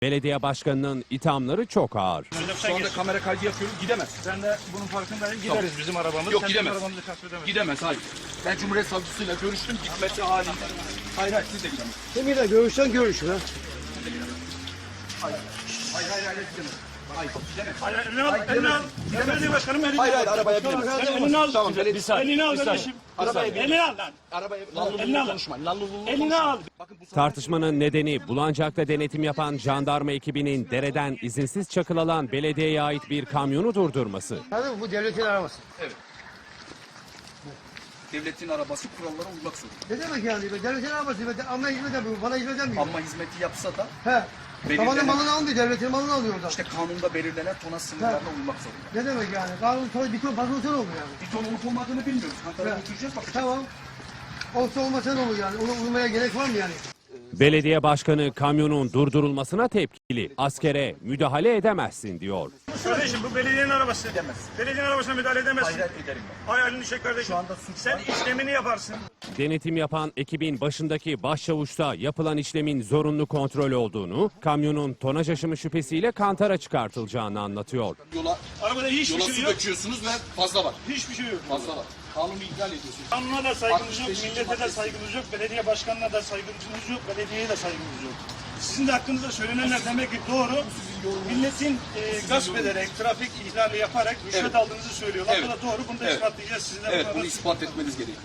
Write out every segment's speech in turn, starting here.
Belediye başkanının ithamları çok ağır. Şu anda kamera kaydı yapıyoruz, gidemez. Ben de bunun farkındayım. Gideriz bizim arabamız. Yok, sen gidemez. Bizim arabamızı gasp edemezsin. Gidemez, hayır. Ben Cumhuriyet Savcısıyla görüştüm, gitmesi halinde. Hayır, siz de gidemez. Kiminle görüşsen görüş ha. Hayır, gidemez. Hayır, gidemez. Hayır, elini al. Belediye başkanım elini al. Hayır, arabaya binemez. Sen elini al. Tamam, Elini al kardeşim. Elini al lan. Arabaya Elini al. konuşmayın. Elini al. Tartışmanın nedeni Bulancak'ta denetim yapan jandarma ekibinin dereden izinsiz çakıl alan belediyeye ait bir kamyonu durdurması. Tabii bu devletin arabası. Evet. Devletin arabası kurallara uymak zorunda. Ne demek yani? Devletin arabası. Ama hizmet yapıyor. Bana hizmet yapmıyor. Ama hizmeti yapsa da He. Tabanın belirlenen, malını almıyor. Devletin malını alıyor oradan. işte kanunda belirlenen tonaj sınırlarına uymak zorunda. Ne demek yani? Kanun sonra bir ton patron sen olur yani. Bir ton olup olmadığını bilmiyoruz. Ankara'ya götüreceğiz, bakacağız. Tamam. Olsa olmasa ne olur yani? Ona uymaya gerek var mı yani? Belediye başkanı kamyonun durdurulmasına tepkili. Askere müdahale edemezsin diyor. Kardeşim bu belediyenin arabası. Edemez. Belediyenin arabasına müdahale edemezsin. Hayır, ederim ben. Hay elini çek kardeşim. Şu anda suç Sen var. işlemini yaparsın. Denetim yapan ekibin başındaki başçavuşta yapılan işlemin zorunlu kontrol olduğunu, kamyonun tonaj aşımı şüphesiyle kantara çıkartılacağını anlatıyor. Arabada hiçbir Yola şey su yok. döküyorsunuz ve fazla var. Hiçbir şey yok. Fazla var. Kanunu ihlal ediyorsunuz. Kanuna da saygımız yok, 65. millete de saygımız yok, belediye başkanına da saygımız yok, belediyeye de saygımız yok. Sizin de hakkınızda söylenenler demek ki doğru. Milletin gasp ederek, trafik ihlali yaparak rüşvet Evet. aldığınızı söylüyorlar. Evet. Bu da doğru. Bunu da Evet. ispatlayacağız. Sizin de Evet, bunlara- bunu ispat etmeniz gerekiyor.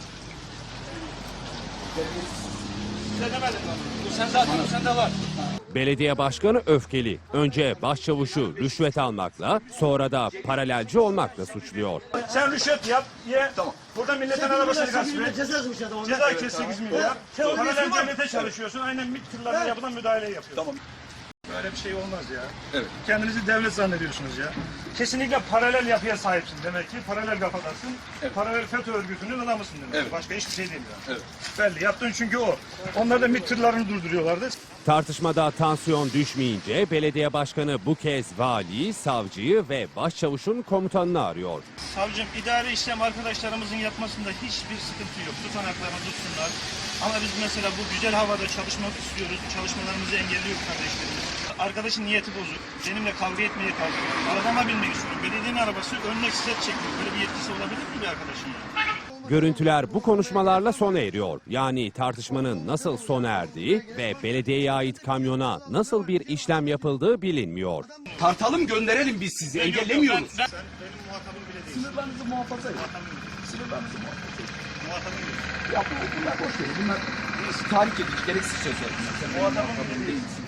Evet. Size demedim ben. Bu sen zaten, bu sende var. Belediye başkanı öfkeli. Önce başçavuşu rüşvet almakla, sonra da paralelci olmakla suçluyor. Sen rüşvet yap, ye. Tamam. Burada milletin arabasını gasp et. Ceza yazmış adam. Ceza kes 8 milyar. Sen Paralel devlete çalışıyorsun. Aynen MİT tırlarına yapılan müdahaleyi yapıyorsun. Tamam. Böyle bir şey olmaz ya. Evet. Kendinizi devlet zannediyorsunuz ya. Kesinlikle paralel yapıya sahipsin demek ki. Paralel kafadasın. Evet. Paralel FETÖ örgütünün adamısın demek. Evet. Başka hiçbir şey değil yani. Evet. Belli. Yaptığın çünkü o. Onlar da MİT tırlarını durduruyorlardı. Tartışmada tansiyon düşmeyince belediye başkanı bu kez valiyi, savcıyı ve başçavuşun komutanını arıyor. Savcım, idari işlem arkadaşlarımızın yapmasında hiçbir sıkıntı yok. Tutanaklarını tutsunlar. Ama biz mesela bu güzel havada çalışmak istiyoruz. Çalışmalarımızı engelliyor kardeşlerimiz. Arkadaşın niyeti bozuk. Benimle kavga etmeye kalkıyor. Arabama binmek istiyorum. Belediyenin arabası örnek set çekiyor. Böyle bir yetkisi olabilir mi bir arkadaşın? Görüntüler bu konuşmalarla sona eriyor. Yani tartışmanın nasıl sona erdiği ve belediyeye ait kamyona nasıl bir işlem yapıldığı bilinmiyor. Tartalım, gönderelim biz sizi. Engellemiyoruz. Sen benim muhatabım bile değil. Sınırlarınızı muhafaza edin. Sınırlarınızı muhafaza edin. Muhatabım değil. Ya bunlar boş verin. Bunlar tahrik edici, gereksiz sözler. Sen benim Muhatabım muhatabım bile değil. değilsin.